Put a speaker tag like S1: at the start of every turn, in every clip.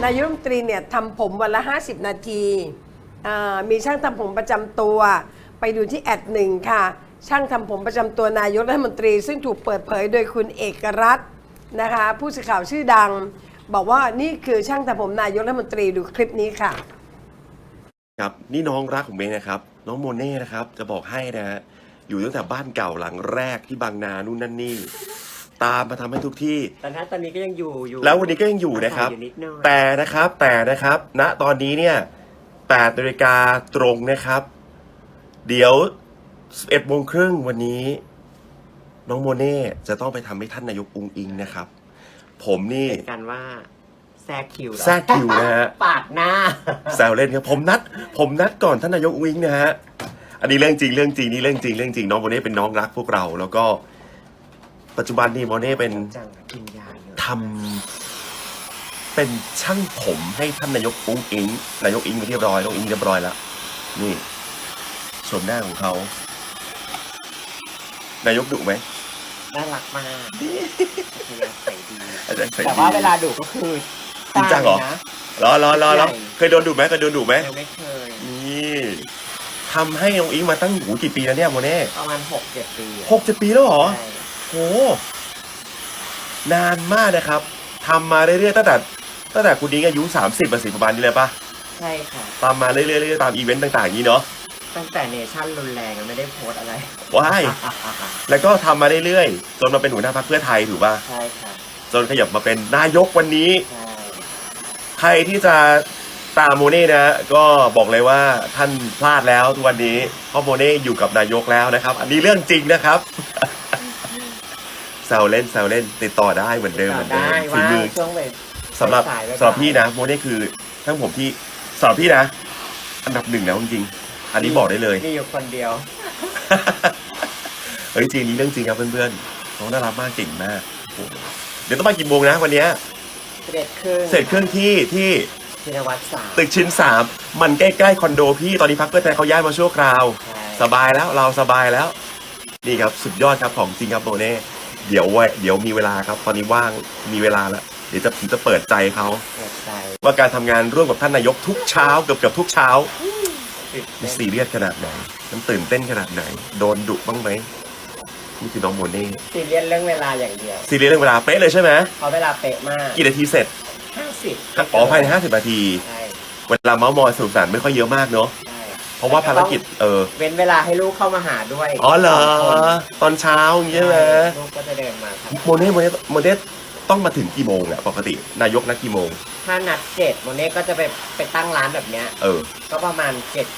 S1: นายกรัฐมนตรีเนี่ยทำผมวันละ50 นาทีมีช่างทำผมประจำตัวไปดูที่@1ค่ะช่างทำผมประจำตัวนายกรัฐมนตรีซึ่งถูกเปิดเผยโดยคุณเอกรัตน์นะคะผู้สื่อข่าวชื่อดังบอกว่านี่คือช่างทำผมนายกรัฐมนตรีดูคลิปนี้ค่ะ
S2: ครับนี่น้องรักของเมย์นะครับน้องโมเน่นะครับจะบอกให้นะฮะอยู่ตั้งแต่บ้านเก่าหลังแรกที่บางนานู่นนั่นนี่ตามมาทำให้ทุกที่
S3: ตอนนี้ก็ยังอยู่
S2: แล้ววันนี้ก็ยังอยู่นะครับแต่นะครับณตอนนี้เนี่ย8 นาฬิกาตรงนะครับเดี๋ยว11 โมงครึ่งวันนี้น้องโมเน่จะต้องไปทำให้ท่านนายกอุ๊งอิ๊งนะครับผมนี่
S3: เป็นการว่าแทรก
S2: คิวนะฮะ
S3: ปาดหน้า
S2: แซวเล่นครับผมนัดก่อนท่านนายกอุ๊งอิ๊งนะฮะอันนี้เรื่องจริงนี่เรื่องจริงน้องโมเน่เป็นน้องรักพวกเราแล้วก็ปัจจุบันนี่โมเน่เป็นทำเป็นช่างผมให้ท่านนายกอุ๊งอิ๊งนายกอิ๊งไปเรียบร้อยน้องอิ๊งเรียบร้อยแล้วนี่ชมหน้าของเขานายกดุไหม
S3: น่ารักมากใส่ดี
S2: แต่
S3: ว่าเวลาดุก็คือ
S2: จริงจังเหรอเคยโดนดุไหม
S3: ไม่เคย
S2: นี่ทำให้น้องอิ๊งมาตั้งกี่ปีแล้วเนี่ยโมเน่
S3: ประมาณ6-7 ปี
S2: 6-7 ปีแล้วเหรอโหนานมากนะครับทำมาเรื่อยๆตั้งแต่คุณอิ๊งอายุ30ประมาณนี้เลยปะ
S3: ใช่ค่ะ
S2: ตามมาเรื่อยๆตามอีเวนต์ต่างๆนี้เนาะ
S3: ตั้งแต่เนชั่นรุนแรงไม่ได้โพสอะไร
S2: ว้ายแล้วก็ทำมาเรื่อยๆจนมาเป็นหัวหน้าพรรคเพื่อไทยถูกป่ะ
S3: ใช่ค่ะ
S2: จนขยับมาเป็นนายกวันนี้ใครที่จะตามโมเน่นะก็บอกเลยว่าท่านพลาดแล้วทุกวันนี้เพราะโมเน่อยู่กับนายกแล้วนะครับอันนี้เรื่องจริงนะครับแซวเล่นติดต่อได้เหมือนเดิม
S3: ฝีมือ
S2: สำหรับพี่นะโมเน่คือทั้งผมที่สำหรับพี่นะอันดับ1นะจริงอันนี้บอกได้เลย
S3: นี่อยู่คนเดียว
S2: เฮ้ยจริงนี้เรื่องจริงครับเพื่อนๆน้องน่ารักมากเก่งมากเดี๋ยวต้องมากี่โมงนะวันนี้
S3: เสร็จเค
S2: รื่องที่
S3: ชินวัตร3
S2: ตึกชิ้น3มันใกล้ๆคอนโดพี่ตอนนี้พรรคเพื่อไทยเขาย้ายมาชั่วคราวสบายแล้วเราสบายแล้วนี่ครับสุดยอดครับของจริงครับโมเน่เดี๋ยวมีเวลาครับตอนนี้ว่างมีเวลาแล้วเดี๋ยวผมจะเปิดใจเขาว่าการทำงานร่วมกับท่านนายกทุกเช้าเกือบทุกเช้ามันซีเรียสขนาดไหนมันตื่นเต้นขนาดไหนโดนดุบ้างไหมนี่คือน้องโมเน่
S3: ซีเรียสเรื่องเวลาอย่างเดียว
S2: ซีเรียสเรื่องเวลาเป๊ะเลยใช่ไหม
S3: เพราะเวลาเป๊ะมาก
S2: กี่นาทีเสร็จ
S3: 50
S2: อ๋อภายใน50 นาทีเวลาเมาส์มอยสนุกสนานไม่ค่อยเยอะมากเนาะเพราะว่าภารกิจ
S3: เว้นเวลาให้ลูกเข้ามาหาด้วย
S2: อ๋อเหรอตอนเช้าอย่างเงี้ยใช่ไหม
S3: ลูกก็จะเดินมาครับ
S2: โมเน่ต้องมาถึงกี่โมงเนี่ยปกตินายกนัดกี่โมง
S3: ถ้านัด7โมเน่ก็จะไปตั้งร้านแบบเนี้ยก็ประมาณ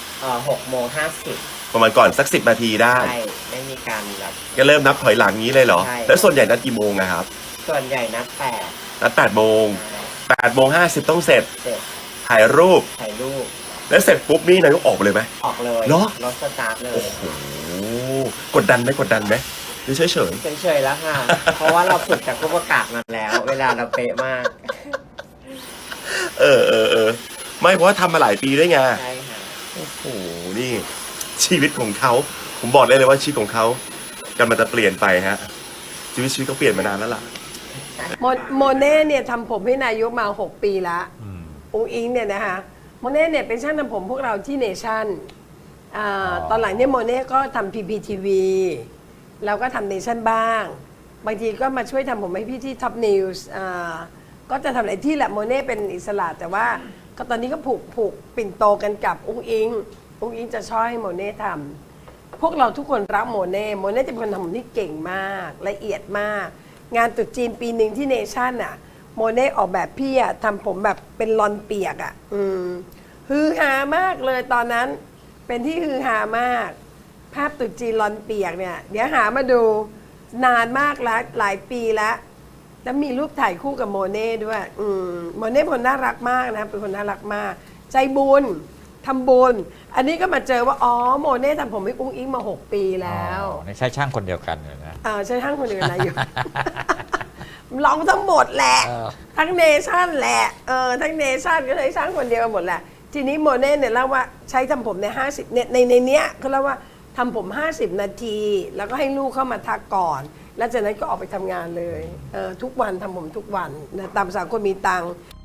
S3: 6:50ประ
S2: มาณก่อนสัก10 นาทีได้
S3: ใช่ไม่มีการแบบ
S2: ก็เริ่มนับถอยหลังนี้เลยเหรอแล้วส่วนใหญ่นัดกี่โมงนะครับ
S3: ส่วนใหญ่นัด
S2: 8 โมง8:50ต้องเสร็จถ่ายรูปแล้วเสร็จปุ๊บนี่นายกออกเลยไหม
S3: ออกเลย
S2: เหรอ
S3: รถสตาร์ทเลย
S2: โอ้โหกดดันไหมหรือเฉ
S3: ยแล้วค่ะเพราะว่าเราฝึกจากผู้ประกาศมาแล้วเวลาเราเป๊ะมาก
S2: ไม่เพราะว่าทำมาหลายปีด้วยไง
S3: ใช่ค่ะ
S2: โอ้โหนี่ชีวิตของเขาผมบอกได้เลยว่าชีวิตของเขากำลังจะเปลี่ยนไปฮะชีวิตเขาเปลี่ยนมานานแล้วล่ะ
S1: โมเน่เนี่ยทำผมให้นายกมา6 ปีละอุ๊งอิ๊งเนี่ยนะคะโมเน่เนี่ยเป็นช่างทำผมพวกเราที่เนชั่นตอนหลังเนี่ยโมเน่ก็ทำ PPTV แล้วก็ทำเนชั่นบ้างบางทีก็มาช่วยทำผมให้พี่ที่ท็อปนิวส์ก็จะทำอะไรที่แหละโมเน่เป็นอิสระแต่ว่าก็ตอนนี้ก็ผูกปิ่นโตกันกับอุ๊งอิ๊งจะช่วยให้โมเน่ทำพวกเราทุกคนรักโมเน่จะเป็นคนทำผมที่เก่งมากละเอียดมากงานตรุษจีนปีหนึ่งที่เนชั่นโมเน่ออกแบบพี่ทำผมแบบเป็นลอนเปียกฮือฮามากเลยตอนนั้นเป็นที่ฮือฮามากภาพตรุษจีนลอนเปียกเนี่ยเดี๋ยวหามาดูนานมากแล้วหลายปีแล้วมีรูปถ่ายคู่กับโมเน่ด้วยโมเน่เป็นคนน่ารักมากนะเป็นคนน่ารักมากใจบุญทำบุญอันนี้ก็มาเจอว่าอ๋อโมเน่ทำผมให้อุ๊งอิ๊งมา6 ปีแล้ว
S4: ใช่ช่างคนเดียวกันเลยนะ
S1: ใช่ช่างคนเดียวกันนะอยู่ร้องทั้งหมดแหละทั้งเนชั่นแหละทั้งเนชั่นก็เลยช่างคนเดียวกันหมดแหละทีนี้โมเน่เนี่ยเล่าว่าใช้ทำผมใน50เนี่ยในเนี้ยเขาเล่าว่าทำผม50 นาทีแล้วก็ให้ลูกเข้ามาทักก่อนแล้วจากนั้นก็ออกไปทำงานเลยทุกวันทำผมทุกวันนะตามภาษาคนมีตังค์